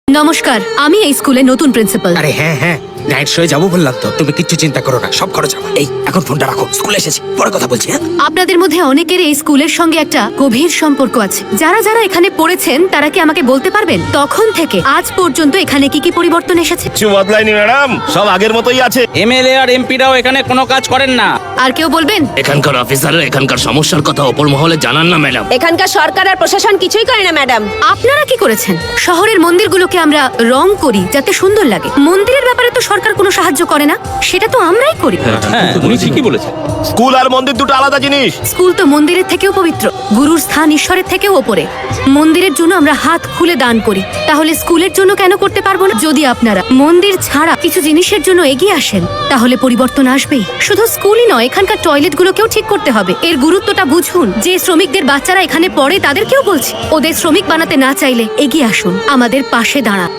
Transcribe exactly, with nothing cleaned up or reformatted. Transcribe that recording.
নমস্কার, আমি এই স্কুলে নতুন প্রিন্সিপাল। আরে হ্যাঁ হ্যাঁ নাইট শোয়ে যাবো বললাম তো, তুমি কিচ্ছু চিন্তা করো না, সব খরচ আমার। এই এখন ফোনটা রাখো, স্কুলে এসেছি, পরে কথা বলছি। হ্যাঁ আপনাদের মধ্যে অনেকের এই স্কুলের সঙ্গে একটা গভীর সম্পর্ক আছে। যারা যারা এখানে পড়েছেন তারা কি আমাকে বলতে পারবেন তখন থেকে আজ পর্যন্ত এখানে কি কি পরিবর্তন এসেছে? কিছু বদলায়নি ম্যাডাম, সব আগের মতোই আছে। এমএলএ আর এমপিরাও এখানে কোনো কাজ করেন না। আর কেউ বলবেন? এখানকার অফিসাররা এখানকার সমস্যার কথা অপর মহলে জানান না ম্যাডাম। এখানকার সরকার আর প্রশাসন কিছুই করে না ম্যাডাম। আপনারা কি করেছেন? শহরের মন্দিরগুলোকে আমরা রং করি যাতে সুন্দর লাগে। মন্দিরের ব্যাপারে তো সরকার কোনো সাহায্য করে না, সেটা তো আমরাই করি। হ্যাঁ, উনি ঠিকই বলেছেন। স্কুল আর মন্দির দুটো আলাদা জিনিস। স্কুল তো মন্দিরের থেকেও পবিত্র, গুরুর স্থান ঈশ্বরের থেকেও ওপরে। মন্দিরের জন্য আমরা হাত খুলে দান করি, তাহলে স্কুলের জন্য কেন করতে পারবো না? যদি আপনারা মন্দির ছাড়া কিছু জিনিসের জন্য এগিয়ে আসেন তাহলে পরিবর্তন আসবেই। শুধু স্কুলই নয়, এখানকার টয়লেটগুলোকেও ঠিক করতে হবে। এর গুরুত্বটা বুঝুন। যে শ্রমিকদের বাচ্চারা এখানে পড়ে তাদেরকেও বলছি, ওদের শ্রমিক বানাতে না চাইলে এগিয়ে আসুন, আমাদের পাশে দাঁড়ান।